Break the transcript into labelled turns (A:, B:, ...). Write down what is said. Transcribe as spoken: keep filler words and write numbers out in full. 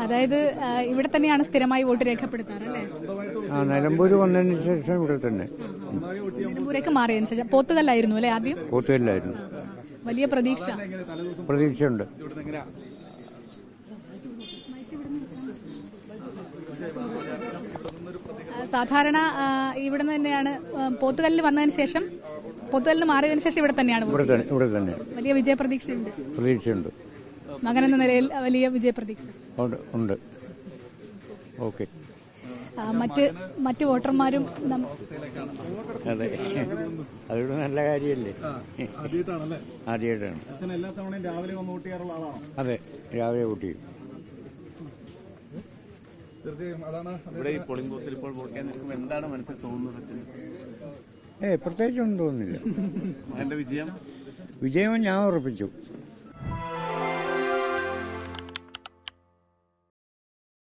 A: അതായത് ഇവിടെ തന്നെയാണ് സ്ഥിരമായി വോട്ട് രേഖപ്പെടുത്താറ് അല്ലേ?
B: ആ നിലമ്പൂര് വന്നതിന് ശേഷം ഇവിടെ തന്നെ.
A: നിലമ്പൂരേക്ക് മാറിയതിനു ശേഷം പോത്തുകല്ലായിരുന്നു അല്ലേ ആദ്യം?
B: പോത്തുകല്ലായിരുന്നു.
A: വലിയ പ്രതീക്ഷ
B: പ്രതീക്ഷയുണ്ട്.
A: സാധാരണ ഇവിടെ തന്നെയാണ് പോത്തുകല്ലിൽ വന്നതിന് ശേഷം പോത്തുകല്ലിന് മാറിയതിനു ശേഷം ഇവിടെ തന്നെയാണ്
B: ഇവിടെ തന്നെ
A: വലിയ വിജയപ്രതീക്ഷയുണ്ട്.
B: പ്രതീക്ഷയുണ്ട്.
A: മകൻ എന്ന നിലയിൽ വലിയ വിജയപ്രതീക്ഷ
B: ഉണ്ട്. ഓക്കെ.
A: മറ്റ് മറ്റ് വോട്ടർമാരും
B: അതെ, അതൊരു നല്ല കാര്യമല്ലേ. ആദ്യമായിട്ടാണ്. അതെ, രാവിലെ വോട്ട് ചെയ്യും.
C: ഇവിടെ ഈ പോളിംഗ് ബൂത്തിൽ ഇപ്പോൾ വോട്ട് ചെയ്യാൻ നിൽക്കുമ്പോൾ എന്താണ് മനസ്സിൽ തോന്നുന്നത്?
B: ഏ പ്രത്യേകിച്ചൊന്നും തോന്നുന്നില്ല.
C: എന്റെ വിജയം
B: വിജയം ഞാൻ ഉറപ്പിച്ചു.